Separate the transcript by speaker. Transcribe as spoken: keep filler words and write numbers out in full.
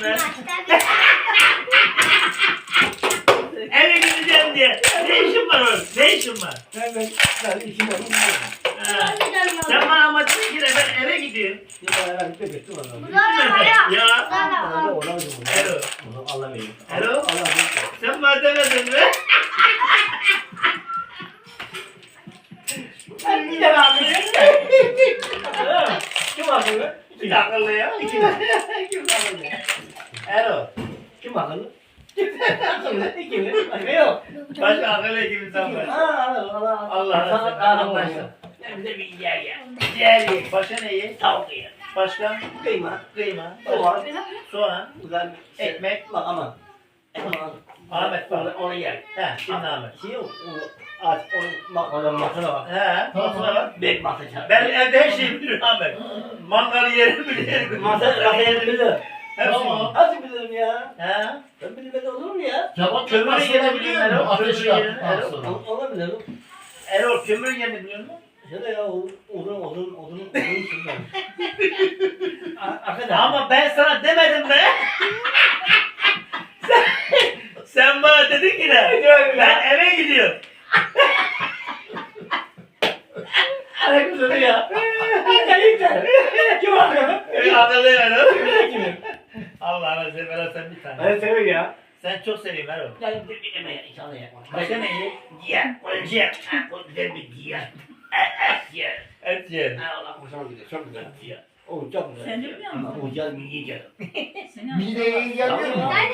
Speaker 1: be. Eve gideceğim diye. Ne işin var oğlum? Ne işin var?
Speaker 2: Ben ben ben işim var.
Speaker 1: Ha. Sen bana ama dedin ki de ben eve gidiyorum.
Speaker 2: Ya ben bir bekle bana.
Speaker 1: Ya.
Speaker 2: Ona ona
Speaker 1: Ero.
Speaker 2: Allah verir.
Speaker 1: Ero.
Speaker 2: Allah verir.
Speaker 1: Sen bana demedin mi?
Speaker 2: Ben bir de abi. Kim akıllı?
Speaker 1: Kim akıllı ya?
Speaker 2: Kim Kim akıllı?
Speaker 1: Ero.
Speaker 2: Kim akıllı? Kim akıllı? Kim? Başka yok.
Speaker 1: Başka akıllı gibi sen var.
Speaker 2: Allah Allah
Speaker 1: Allah
Speaker 2: Sana
Speaker 1: Allah.
Speaker 2: kahraman
Speaker 1: Anlaştık. Hem de bir yer ye. Yer ye. Başka ne ye? Tavuk ye. Başka?
Speaker 2: Kıyma.
Speaker 1: Kıyma.
Speaker 2: Soğan.
Speaker 1: Soğan.
Speaker 2: Güzel
Speaker 1: Ekmek.
Speaker 2: Bak aman. Aman.
Speaker 1: Ahmet
Speaker 2: Onu,
Speaker 1: bak.
Speaker 2: onu yer.
Speaker 1: He. Şimdi Ahmet.
Speaker 2: Şey yok. Onu aç. Onu bak ona masana bak.
Speaker 1: He. Masaya bak.
Speaker 2: Ben masa çağır.
Speaker 1: Ben evde her şeyi bilirim Ahmet. Mangal yerim bilirim.
Speaker 2: Masa masa yerini bilirim.
Speaker 1: Hepsini.
Speaker 3: Tamam.
Speaker 2: Nasıl bilirim ya?
Speaker 1: He.
Speaker 2: Ben bilmeden olur mu ya?
Speaker 3: Kebap
Speaker 1: Kömür
Speaker 3: yapmasını
Speaker 1: yerini
Speaker 3: biliyor
Speaker 1: biliyor
Speaker 3: musun?
Speaker 1: musun?
Speaker 3: Ateşi
Speaker 1: Kömür yerini,
Speaker 3: yaktıktan
Speaker 1: evet.
Speaker 3: sonra.
Speaker 2: Onu, onu bilirim.
Speaker 1: Erol kömür yerini biliyor musun?
Speaker 2: Şöyle ya odun odun odun odun odun sürmem. Arkadaşlar.
Speaker 1: Ama ben sana demedim be. sen, sen bana dedin ki de ben eve gidiyorum.
Speaker 2: Aleykümselam ya. Aleykümselam. Kim akıllı?
Speaker 1: Öyle akıllı Erol.
Speaker 2: Kim?
Speaker 1: Allah'ına seversen sen bir tane.
Speaker 2: Ben seviyorum ya.
Speaker 1: Sen çok seviyorum Erol.
Speaker 2: Yani bir bir yemeğe inşallah ya.
Speaker 1: Başka ne ye? Ciğer. O ciğer. O güzel bir ciğer. Et ciğer. Et ciğer.
Speaker 2: Allah hoşuma gidiyor. Çok güzel.
Speaker 1: Ciğer.
Speaker 2: O çok güzel.
Speaker 4: Sen de biliyor musun?
Speaker 2: Ama o güzel mi yiyeceğim.
Speaker 4: Seni
Speaker 3: Mideye iyi gelmiyor mu?